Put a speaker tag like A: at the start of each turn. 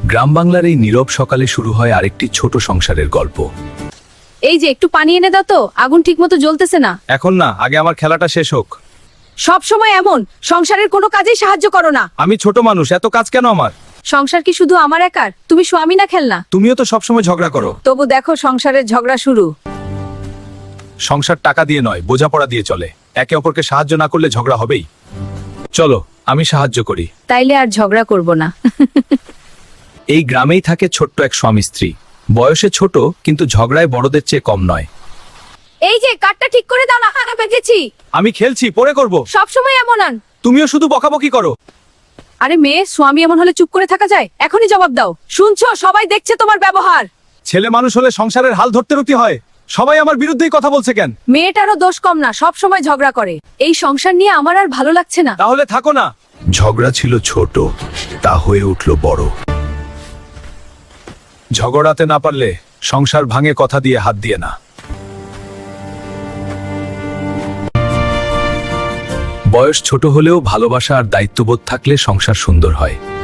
A: গ্রাম বাংলার এই নীরব সকালে শুরু হয় আরেকটি ছোট সংসারের গল্প।
B: এই যে একটু পানি এনে দাও তো, আগুন ঠিকমতো জ্বলতেছে না।
A: এখন না, আগে আমার খেলাটা শেষ হোক।
B: সব সময় এমন, সংসারের কোনো কাজেই সাহায্য করো না।
A: আমি ছোট মানুষ, এত কাজ কেন আমার?
B: সংসার কি শুধু আমার একার? তুমি স্বামী না খেলনা?
A: তুমিও তো সবসময় ঝগড়া করো।
B: তবু দেখো সংসারের ঝগড়া শুরু।
A: সংসার টাকা দিয়ে নয়, বোঝাপড়া দিয়ে চলে। একে অপরকে সাহায্য না করলে ঝগড়া হবেই। চলো, আমি সাহায্য করি।
B: তাইলে আর ঝগড়া করব না।
A: এই গ্রামেই থাকে ছোট্ট এক স্বামী স্ত্রী। বয়সে ছোট, কিন্তু ঝগড়ায় বড়দের চেয়ে কম নয়।
B: এই যে কাঠটা ঠিক করে দাও না, হাঁকা পেকেছি।
A: আমি খেলছি, পরে করব।
B: সব সময় এমন আন।
A: তুমিও শুধু বকাবকি করো।
B: আরে মেয়ে, স্বামী এমন হলে চুপ করে থাকা যায়? এখনই জবাব দাও। শুনছো, সবাই দেখছে তোমার ব্যবহার।
A: ছেলে মানুষ হলে সংসারের হাল ধরতে রুতি হয়। সবাই আমার বিরুদ্ধেই কথা বলছে কেন?
B: মেয়েটারও দোষ কম না, সব সময় ঝগড়া করে। এই সংসার নিয়ে আমার আর ভালো লাগছে না।
A: তাহলে থাকো না। ঝগড়া ছিল ছোট, তা হয়ে উঠল বড়। ঝগড়াতে না পারলে সংসার ভাঙে, কথা দিয়ে হাত দিয়ে না। বয়স ছোট হলেও ভালোবাসা আর দায়িত্ববোধ থাকলে সংসার সুন্দর হয়।